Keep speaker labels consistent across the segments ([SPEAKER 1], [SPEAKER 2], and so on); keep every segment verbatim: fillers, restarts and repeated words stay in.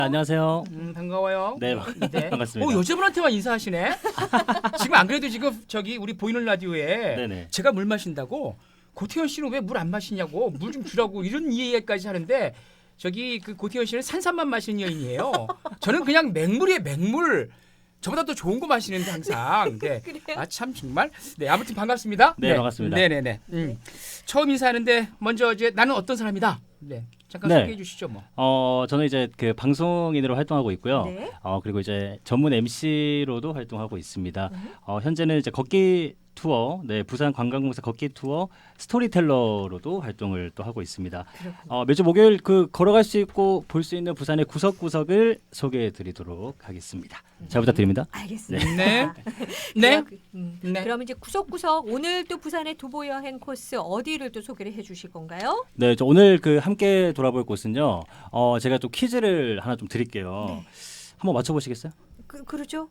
[SPEAKER 1] 안녕하세요.
[SPEAKER 2] 음, 반가워요.
[SPEAKER 1] 네,
[SPEAKER 2] 네.
[SPEAKER 1] 반갑습니다.
[SPEAKER 2] 오, 여자분한테만 인사하시네. 지금 안 그래도 지금 저기 우리 보이는 라디오에
[SPEAKER 1] 네네.
[SPEAKER 2] 제가 물 마신다고 고태현 씨는 왜 물 안 마시냐고 물 좀 주라고 이런 이야기까지 하는데 저기 그 고태현 씨는 산삼만 마시는 여인이에요. 저는 그냥 맹물이에요, 맹물. 저보다 더 좋은 거 마시는데 항상. 네. 아 참 정말. 네, 아무튼 반갑습니다.
[SPEAKER 1] 네, 반갑습니다.
[SPEAKER 2] 네네네. 음. 처음 인사하는데 먼저 이제 나는 어떤 사람이다. 네. 잠깐
[SPEAKER 1] 네.
[SPEAKER 2] 소개해 주시죠, 뭐.
[SPEAKER 1] 어, 저는 이제 그 방송인으로 활동하고 있고요.
[SPEAKER 3] 네.
[SPEAKER 1] 어, 그리고 이제 전문 엠시로도 활동하고 있습니다.
[SPEAKER 3] 음.
[SPEAKER 1] 어, 현재는 이제 걷기 투어, 네, 부산 관광공사 걷기 투어 스토리텔러로도 활동을 또 하고 있습니다.
[SPEAKER 3] 그렇군요.
[SPEAKER 1] 어, 매주 목요일 그 걸어갈 수 있고 볼 수 있는 부산의 구석구석을 소개해 드리도록 하겠습니다. 잘 부탁드립니다.
[SPEAKER 3] 알겠습니다.
[SPEAKER 2] 네. 네.
[SPEAKER 3] 그럼, 음,
[SPEAKER 2] 네.
[SPEAKER 3] 그럼 이제 구석구석 오늘 또 부산의 도보 여행 코스 어디를 또 소개를 해주실 건가요?
[SPEAKER 1] 네, 저 오늘 그 함께 돌아볼 곳은요. 어, 제가 또 퀴즈를 하나 좀 드릴게요.
[SPEAKER 3] 네.
[SPEAKER 1] 한번 맞춰보시겠어요?
[SPEAKER 3] 그, 그러죠.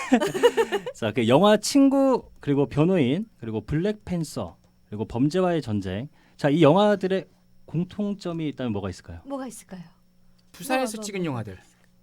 [SPEAKER 1] 자, 그 영화 친구 그리고 변호인 그리고 블랙팬서 그리고 범죄와의 전쟁. 자, 이 영화들의 공통점이 있다면 뭐가 있을까요?
[SPEAKER 3] 뭐가 있을까요?
[SPEAKER 2] 부산에서
[SPEAKER 3] 뭐, 뭐,
[SPEAKER 2] 찍은
[SPEAKER 3] 뭐.
[SPEAKER 2] 영화들.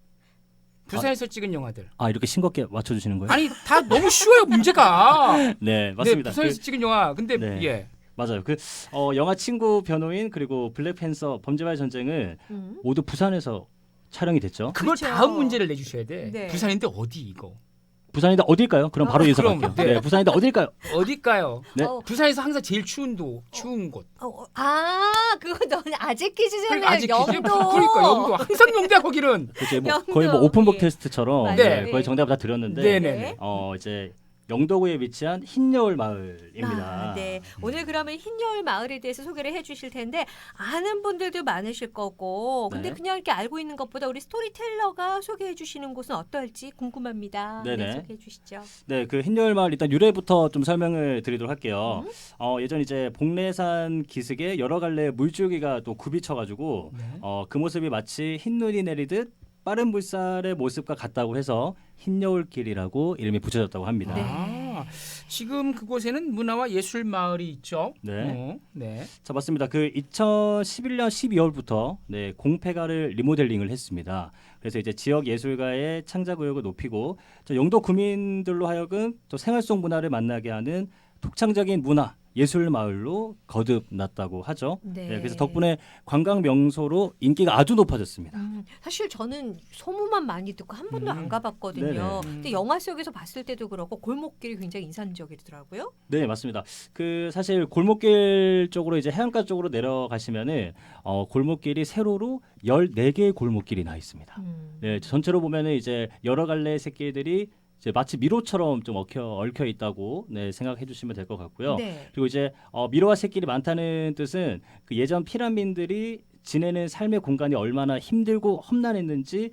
[SPEAKER 2] 부산에서 찍은 영화들.
[SPEAKER 1] 아, 이렇게 싱겁게 맞춰주시는 거예요?
[SPEAKER 2] 아니 다 너무 쉬워요 문제가.
[SPEAKER 1] 네, 맞습니다.
[SPEAKER 2] 네, 부산에서
[SPEAKER 1] 그,
[SPEAKER 2] 찍은 영화. 근데
[SPEAKER 1] 네.
[SPEAKER 2] 예.
[SPEAKER 1] 맞아요. 그 어, 영화 친구 변호인 그리고 블랙팬서 범죄와의 전쟁은
[SPEAKER 3] 음.
[SPEAKER 1] 모두 부산에서 촬영이 됐죠.
[SPEAKER 2] 그걸
[SPEAKER 3] 그쵸.
[SPEAKER 2] 다음 문제를 내주셔야 돼.
[SPEAKER 3] 네.
[SPEAKER 2] 부산인데 어디 이거?
[SPEAKER 1] 부산인데 어딜까요? 그럼 바로
[SPEAKER 3] 어,
[SPEAKER 1] 인사할게요.
[SPEAKER 2] 그럼,
[SPEAKER 1] 네.
[SPEAKER 2] 네.
[SPEAKER 1] 부산인데 어딜까요?
[SPEAKER 2] 어딜까요?
[SPEAKER 1] 네.
[SPEAKER 3] 어,
[SPEAKER 2] 부산에서 항상 제일 추운 도 추운 곳.
[SPEAKER 3] 어, 어, 아, 그거 너는 아재 퀴즈잖아요.
[SPEAKER 2] 그러니까 아직
[SPEAKER 3] 영도.
[SPEAKER 2] 기준- 그러니까 영도 항상 영도야 거기는.
[SPEAKER 1] 그렇죠. 뭐
[SPEAKER 3] 영도.
[SPEAKER 1] 거의 뭐 오픈북
[SPEAKER 3] 예.
[SPEAKER 1] 테스트처럼
[SPEAKER 3] 맞아요.
[SPEAKER 1] 네,
[SPEAKER 3] 네.
[SPEAKER 1] 거의 정답 다 드렸는데
[SPEAKER 2] 네네네.
[SPEAKER 1] 어, 이제 영도구에 위치한 흰여울 마을입니다.
[SPEAKER 3] 아, 네. 오늘 그러면 흰여울 마을에 대해서 소개를 해주실 텐데 아는 분들도 많으실 거고 근데
[SPEAKER 1] 네.
[SPEAKER 3] 그냥 이렇게 알고 있는 것보다 우리 스토리텔러가 소개해 주시는 곳은 어떨지 궁금합니다. 네,
[SPEAKER 1] 네네.
[SPEAKER 3] 소개해 주시죠.
[SPEAKER 1] 네, 그 흰여울 마을 일단 유래부터 좀 설명을 드리도록 할게요.
[SPEAKER 3] 음?
[SPEAKER 1] 어, 예전 이제 복례산 기슭에 여러 갈래 물줄기가 또 굽이쳐가지고
[SPEAKER 2] 네.
[SPEAKER 1] 어, 그 모습이 마치 흰눈이 내리듯 빠른 물살의 모습과 같다고 해서 흰여울길이라고 이름이 붙여졌다고 합니다.
[SPEAKER 3] 네.
[SPEAKER 2] 아, 지금 그곳에는 문화와 예술 마을이 있죠.
[SPEAKER 1] 네.
[SPEAKER 2] 어, 네.
[SPEAKER 1] 자, 맞습니다. 그 이천십일 년 십이월부터 네, 공폐가를 리모델링을 했습니다. 그래서 이제 지역 예술가의 창작 의욕을 높이고 저 영도 구민들로 하여금 또 생활 속 문화를 만나게 하는 독창적인 문화 예술 마을로 거듭났다고 하죠.
[SPEAKER 3] 네.
[SPEAKER 1] 네, 그래서 덕분에 관광 명소로 인기가 아주 높아졌습니다.
[SPEAKER 3] 음, 사실 저는 소문만 많이 듣고 한 번도
[SPEAKER 2] 음.
[SPEAKER 3] 안 가봤거든요.
[SPEAKER 1] 네네.
[SPEAKER 3] 근데 영화 속에서 봤을 때도 그렇고 골목길이 굉장히 인상적이더라고요.
[SPEAKER 1] 네, 맞습니다. 그 사실 골목길 쪽으로 이제 해안가 쪽으로 내려가시면은 어, 골목길이 세로로 열네 개의 골목길이 나 있습니다.
[SPEAKER 3] 음.
[SPEAKER 1] 네, 전체로 보면은 이제 여러 갈래 새끼들이 이제 마치 미로처럼 좀 얽혀 얽혀 있다고 네, 생각해 주시면 될 것 같고요.
[SPEAKER 3] 네.
[SPEAKER 1] 그리고 이제 어, 미로와 새끼리 많다는 뜻은 그 예전 피라민들이 지내는 삶의 공간이 얼마나 힘들고 험난했는지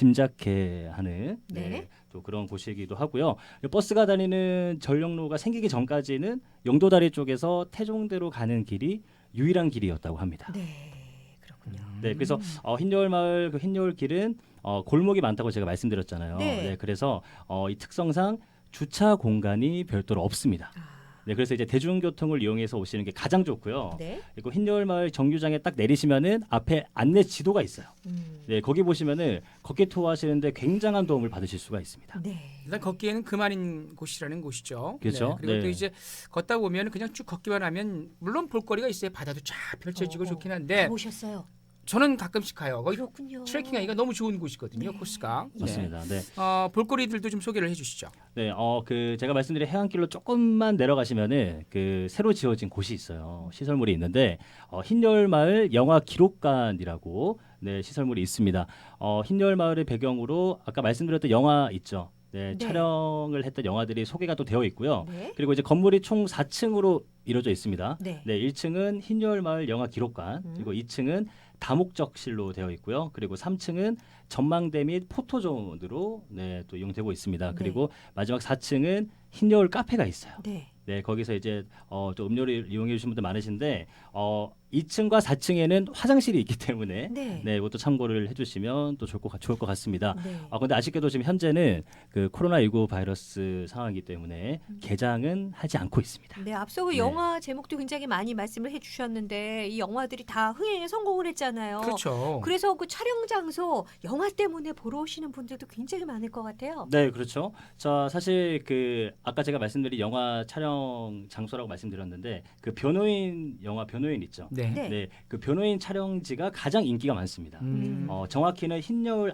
[SPEAKER 1] 짐작해 하는 네,
[SPEAKER 3] 네.
[SPEAKER 1] 또 그런 곳이기도 하고요. 버스가 다니는 전력로가 생기기 전까지는 영도다리 쪽에서 태종대로 가는 길이 유일한 길이었다고 합니다.
[SPEAKER 3] 네. 그렇군요.
[SPEAKER 1] 네, 그래서 어, 흰여울 마을 그 흰여울 길은 어, 골목이 많다고 제가 말씀드렸잖아요.
[SPEAKER 3] 네.
[SPEAKER 1] 그래서 어, 이 특성상 주차 공간이 별도로 없습니다.
[SPEAKER 3] 아,
[SPEAKER 1] 네, 그래서 이제 대중교통을 이용해서 오시는 게 가장 좋고요.
[SPEAKER 3] 네.
[SPEAKER 1] 그리고 흰여울 마을 정류장에 딱 내리시면은 앞에 안내 지도가 있어요.
[SPEAKER 3] 음.
[SPEAKER 1] 네, 거기 보시면은 걷기 투어 하시는데 굉장한 도움을 받으실 수가 있습니다.
[SPEAKER 3] 네.
[SPEAKER 2] 일단 걷기에는 그만인 곳이라는 곳이죠.
[SPEAKER 1] 그렇죠.
[SPEAKER 2] 네. 그리고
[SPEAKER 1] 네.
[SPEAKER 2] 또 이제 걷다 보면 그냥 쭉 걷기만 하면 물론 볼거리가 있어요. 바다도 쫙 펼쳐지고
[SPEAKER 3] 어, 어.
[SPEAKER 2] 좋긴 한데
[SPEAKER 3] 가보셨어요?
[SPEAKER 2] 저는 가끔씩 가요. 거기
[SPEAKER 3] 그렇군요.
[SPEAKER 2] 트레킹하기가 너무 좋은 곳이거든요.
[SPEAKER 3] 네.
[SPEAKER 2] 코스가. 네.
[SPEAKER 1] 맞습니다. 네.
[SPEAKER 2] 어, 볼거리들도 좀 소개를 해주시죠.
[SPEAKER 1] 네, 어, 그 제가 말씀드린 해안길로 조금만 내려가시면은 그 새로 지어진 곳이 있어요. 시설물이 있는데 어, 흰여울 마을 영화 기록관이라고 네, 시설물이 있습니다. 어, 흰여울 마을의 배경으로 아까 말씀드렸던 영화 있죠. 네,
[SPEAKER 3] 네.
[SPEAKER 1] 촬영을 했던 영화들이 소개가 또 되어 있고요.
[SPEAKER 3] 네.
[SPEAKER 1] 그리고 이제 건물이 총 사 층으로 이루어져 있습니다.
[SPEAKER 3] 네.
[SPEAKER 1] 네, 일 층은 흰여울 마을 영화 기록관,
[SPEAKER 3] 음.
[SPEAKER 1] 그리고 이 층은 다목적실로 되어 있고요. 그리고 삼 층은 전망대 및 포토존으로 네, 또 이용되고 있습니다.
[SPEAKER 3] 네.
[SPEAKER 1] 그리고 마지막 사 층은 흰여울 카페가 있어요.
[SPEAKER 3] 네.
[SPEAKER 1] 네, 거기서 이제 어, 또 음료를 이용해 주신 분들 많으신데 어, 이 층과 사 층에는 화장실이 있기 때문에
[SPEAKER 3] 네.
[SPEAKER 1] 네, 이것도 참고를 해주시면 또 좋을 것, 같- 좋을 것 같습니다.
[SPEAKER 3] 네.
[SPEAKER 1] 아, 근데 아쉽게도 지금 현재는 그 코로나십구 바이러스 상황이기 때문에 개장은 하지 않고 있습니다.
[SPEAKER 3] 네, 앞서 그
[SPEAKER 1] 네.
[SPEAKER 3] 영화 제목도 굉장히 많이 말씀을 해주셨는데 이 영화들이 다 흥행에 성공을 했잖아요.
[SPEAKER 2] 그렇죠.
[SPEAKER 3] 그래서 그 촬영 장소 영화 때문에 보러 오시는 분들도 굉장히 많을 것 같아요.
[SPEAKER 1] 네, 그렇죠. 자, 사실 그 아까 제가 말씀드린 영화 촬영 장소라고 말씀드렸는데 그 변호인 영화 변호인 있죠.
[SPEAKER 2] 네.
[SPEAKER 3] 네.
[SPEAKER 1] 네, 그 변호인 촬영지가 가장 인기가 많습니다.
[SPEAKER 2] 음.
[SPEAKER 1] 어, 정확히는 흰여울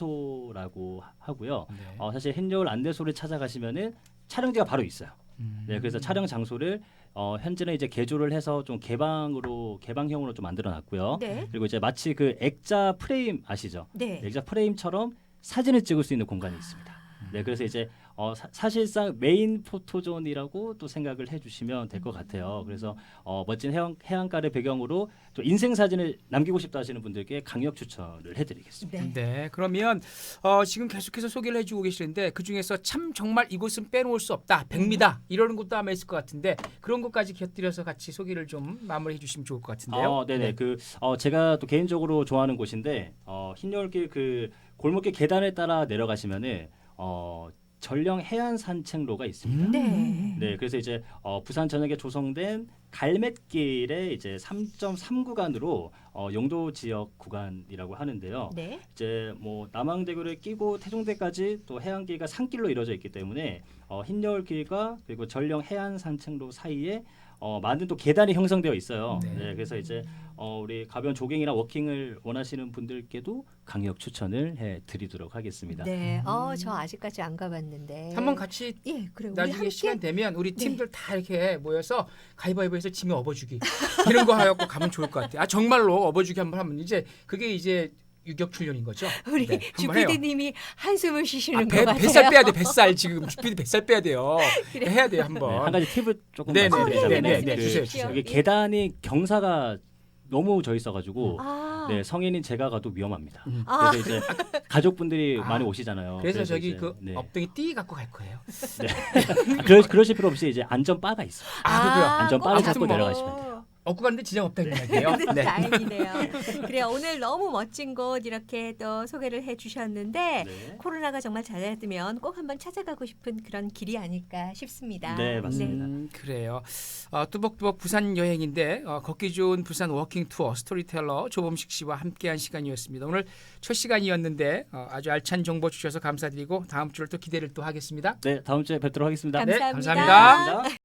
[SPEAKER 1] 안내소라고 하- 하고요.
[SPEAKER 2] 네.
[SPEAKER 1] 어, 사실 흰여울 안내소를 찾아가시면은 촬영지가 바로 있어요.
[SPEAKER 2] 음.
[SPEAKER 1] 네, 그래서 촬영 장소를 어, 현재는 이제 개조를 해서 좀 개방으로 개방형으로 좀 만들어놨고요.
[SPEAKER 3] 네.
[SPEAKER 1] 그리고 이제 마치 그 액자 프레임 아시죠?
[SPEAKER 3] 네.
[SPEAKER 1] 액자 프레임처럼 사진을 찍을 수 있는 공간이 있습니다. 네, 그래서 이제 어, 사, 사실상 메인 포토존이라고 또 생각을 해주시면 될 것 같아요. 그래서 어, 멋진 해안, 해안가를 배경으로 또 인생 사진을 남기고 싶다 하시는 분들께 강력 추천을 해드리겠습니다.
[SPEAKER 3] 네.
[SPEAKER 2] 네, 그러면 어, 지금 계속해서 소개를 해주고 계시는데 그 중에서 참 정말 이곳은 빼놓을 수 없다, 백미다 이러는 것도 아마 있을 것 같은데 그런 것까지 곁들여서 같이 소개를 좀 마무리해 주시면 좋을 것 같은데요.
[SPEAKER 1] 어, 네네. 그 어, 제가 또 개인적으로 좋아하는 곳인데 어, 흰여울길 그 골목길 계단을 따라 내려가시면은 어, 전령 해안 산책로가 있습니다.
[SPEAKER 2] 음.
[SPEAKER 3] 네.
[SPEAKER 1] 네, 그래서 이제 어, 부산 전역에 조성된 갈매길의 이제 삼 점 삼 구간으로 어, 용도 지역 구간이라고 하는데요.
[SPEAKER 3] 네.
[SPEAKER 1] 이제 뭐 남항대교를 끼고 태종대까지 또 해안길과 산길로 이루어져 있기 때문에 어, 흰여울길과 그리고 전령 해안 산책로 사이에 어, 많은 또 계단이 형성되어 있어요.
[SPEAKER 2] 네.
[SPEAKER 1] 네, 그래서 이제 어, 우리 가벼운 조깅이나 워킹을 원하시는 분들께도 강력 추천을 해드리도록 하겠습니다.
[SPEAKER 3] 네. 어, 저 아직까지 안 가봤는데.
[SPEAKER 2] 한번 같이
[SPEAKER 3] 예, 그래. 우리
[SPEAKER 2] 나중에
[SPEAKER 3] 함께
[SPEAKER 2] 시간 되면 우리
[SPEAKER 3] 네.
[SPEAKER 2] 팀들 다 이렇게 모여서 가위바위보해서 짐에 업어주기 이런 거 하고 가면 좋을 것 같아요. 아 정말로 업어주기 한번 하면 이제 그게 이제 유격 훈련인 거죠.
[SPEAKER 3] 우리
[SPEAKER 2] 네, 한번 해요.
[SPEAKER 3] 주피디님이 한숨을 쉬시는
[SPEAKER 2] 아,
[SPEAKER 3] 것
[SPEAKER 2] 배,
[SPEAKER 3] 같아요.
[SPEAKER 2] 뱃살 빼야 돼. 뱃살 지금 주피디 뱃살 빼야 돼요.
[SPEAKER 3] 그래.
[SPEAKER 2] 해야 돼요
[SPEAKER 1] 네,
[SPEAKER 2] 한번.
[SPEAKER 1] 한 가지 팁을 조금
[SPEAKER 2] 네, 네,
[SPEAKER 1] 말씀드리자면
[SPEAKER 3] 네, 네, 네,
[SPEAKER 1] 그
[SPEAKER 2] 주세요,
[SPEAKER 3] 주십시오.
[SPEAKER 1] 여기
[SPEAKER 3] 예.
[SPEAKER 1] 계단이 경사가 너무 져 있어가지고
[SPEAKER 3] 아,
[SPEAKER 1] 네, 성인인 제가 가도 위험합니다.
[SPEAKER 2] 음.
[SPEAKER 3] 아.
[SPEAKER 1] 그래서 이제 가족분들이
[SPEAKER 2] 아.
[SPEAKER 1] 많이 오시잖아요.
[SPEAKER 2] 그래서 저기
[SPEAKER 1] 이제,
[SPEAKER 2] 그
[SPEAKER 1] 네.
[SPEAKER 2] 엎드기 띠 갖고 갈 거예요.
[SPEAKER 1] 아, 그러, 그러실 필요 없이 이제 안전바가 있어요.
[SPEAKER 2] 아, 그래요?
[SPEAKER 1] 안전바를
[SPEAKER 2] 아무튼
[SPEAKER 1] 잡고
[SPEAKER 2] 뭐.
[SPEAKER 1] 내려가시면 돼요.
[SPEAKER 2] 업고 가는데 지장 없다는 이야기예요. 네.
[SPEAKER 3] 다행이네요. 그래요. 오늘 너무 멋진 곳 이렇게 또 소개를 해주셨는데
[SPEAKER 1] 네.
[SPEAKER 3] 코로나가 정말 잘해두면 꼭 한번 찾아가고 싶은 그런 길이 아닐까 싶습니다.
[SPEAKER 1] 네, 맞습니다.
[SPEAKER 2] 음, 그래요. 어, 뚜벅뚜벅 부산 여행인데 어, 걷기 좋은 부산 워킹 투어 스토리텔러 조범식 씨와 함께한 시간이었습니다. 오늘 첫 시간이었는데 어, 아주 알찬 정보 주셔서 감사드리고 다음 주를 또 기대를 또 하겠습니다.
[SPEAKER 1] 네, 다음 주에 뵙도록 하겠습니다.
[SPEAKER 2] 네,
[SPEAKER 3] 감사합니다.
[SPEAKER 2] 감사합니다.
[SPEAKER 1] 감사합니다.